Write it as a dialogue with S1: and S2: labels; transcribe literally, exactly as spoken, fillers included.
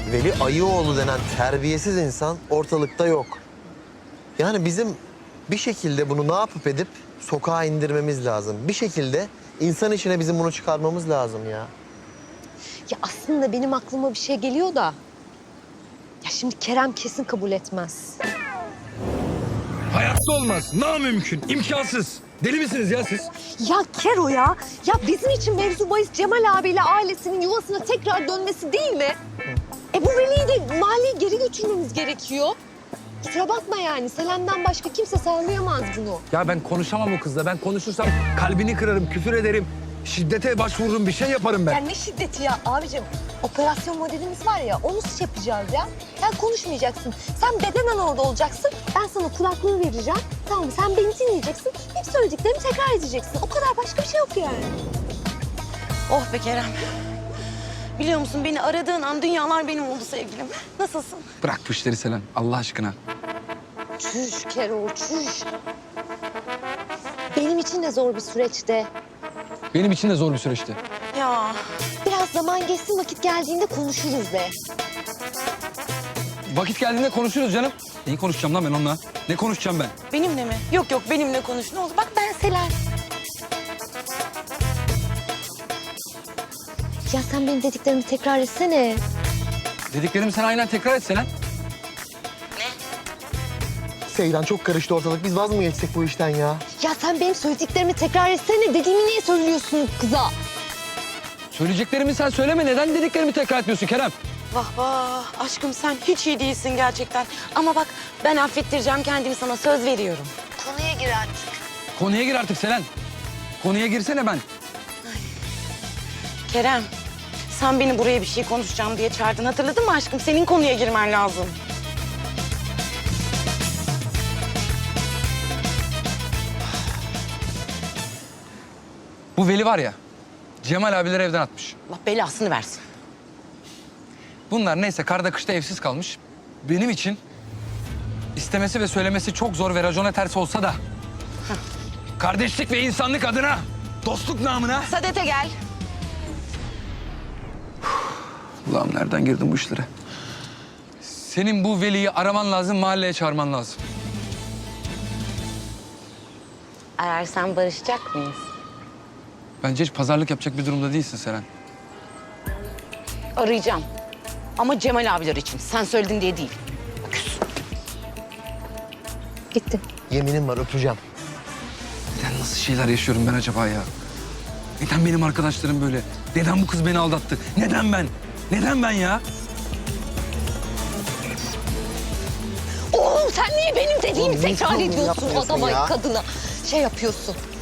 S1: Veli Ayıoğlu denen terbiyesiz insan ortalıkta yok. Yani bizim bir şekilde bunu ne yapıp edip sokağa indirmemiz lazım. Bir şekilde insan içine bizim bunu çıkarmamız lazım ya.
S2: Ya aslında benim aklıma bir şey geliyor da... Ya şimdi Kerem kesin kabul etmez.
S3: Hayatta olmaz. Namümkün. İmkansız. Deli misiniz ya siz?
S2: Ya Kero ya, ya bizim için mevzu bahis Cemal abiyle ailesinin yuvasına tekrar dönmesi değil mi? E bu Veli'yi de mahalleye geri götürmemiz gerekiyor. Kusura bakma yani, Selen'den başka kimse sağlayamaz bunu.
S3: Ya ben konuşamam o kızla. Ben konuşursam kalbini kırarım, küfür ederim. Şiddete başvururum, bir şey yaparım ben.
S2: Ya ne şiddeti ya abicim? Operasyon modelimiz var ya, onu şey yapacağız ya. Sen konuşmayacaksın. Sen bedenen orada olacaksın. Ben sana kulaklığı vereceğim. Tamam mı? Sen beni dinleyeceksin. Hep söylediklerimi tekrar edeceksin. O kadar, başka bir şey yok yani.
S4: Oh be Kerem. Biliyor musun beni aradığın an dünyalar benim oldu sevgilim. Nasılsın?
S3: Bırak bu işleri Selen, Allah aşkına.
S2: Çüş Kero, çüş. Benim için de zor bir süreçte.
S3: Benim için de zor bir süreçti.
S4: Ya
S2: Biraz zaman geçsin, vakit geldiğinde konuşuruz de.
S3: Vakit geldiğinde konuşuruz canım. Neyi konuşacağım lan ben onunla? Ne konuşacağım ben?
S4: benimle mi? Yok yok benimle konuş ne olur. Bak ben Selen.
S2: Ya sen benim dediklerimi tekrar etsene.
S3: Dediklerimi sen aynen tekrar et Selen.
S1: Seyran çok karıştı ortalık. Biz vaz mı geçsek bu işten ya?
S2: Ya sen benim söylediklerimi tekrar etsene. Dediğimi niye söylüyorsun kıza?
S3: Söyleyeceklerimi sen söyleme. Neden dediklerimi tekrar etmiyorsun Kerem?
S4: Vah vah aşkım sen hiç iyi değilsin gerçekten. Ama bak ben affettireceğim kendimi sana söz veriyorum.
S2: Konuya gir artık.
S3: Konuya gir artık Selen. Konuya girsene ben.
S4: Kerem sen beni buraya bir şey konuşacağım diye çağırdın hatırladın mı aşkım? Senin konuya girmen lazım.
S3: Bu Veli var ya, Cemal abileri evden atmış.
S4: Allah belasını versin.
S3: Bunlar neyse karda kışta evsiz kalmış. Benim için istemesi ve söylemesi çok zor ve racona ters olsa da... kardeşlik ve insanlık adına, dostluk namına...
S4: Sadete gel.
S3: Allah'ım nereden girdin bu işlere? Senin bu Veli'yi araman lazım, mahalleye çağırman lazım.
S4: Ararsan barışacak mıyız?
S3: Bence hiç pazarlık yapacak bir durumda değilsin Seren.
S4: Arayacağım. Ama Cemal abiler için. Sen söyledin diye değil. Küs.
S2: Gitti.
S1: Yeminim var, öpeceğim.
S3: Neden nasıl şeyler yaşıyorum ben acaba ya? Neden benim arkadaşlarım böyle? Neden bu kız beni aldattı? Neden ben? Neden ben ya?
S2: Oğlum sen niye benim dediğimi
S1: Oğlum, niye
S2: tekrar
S1: sorun
S2: ediyorsun
S1: yapmıyorsun
S2: adama,
S1: ya?
S2: kadına? Şey yapıyorsun.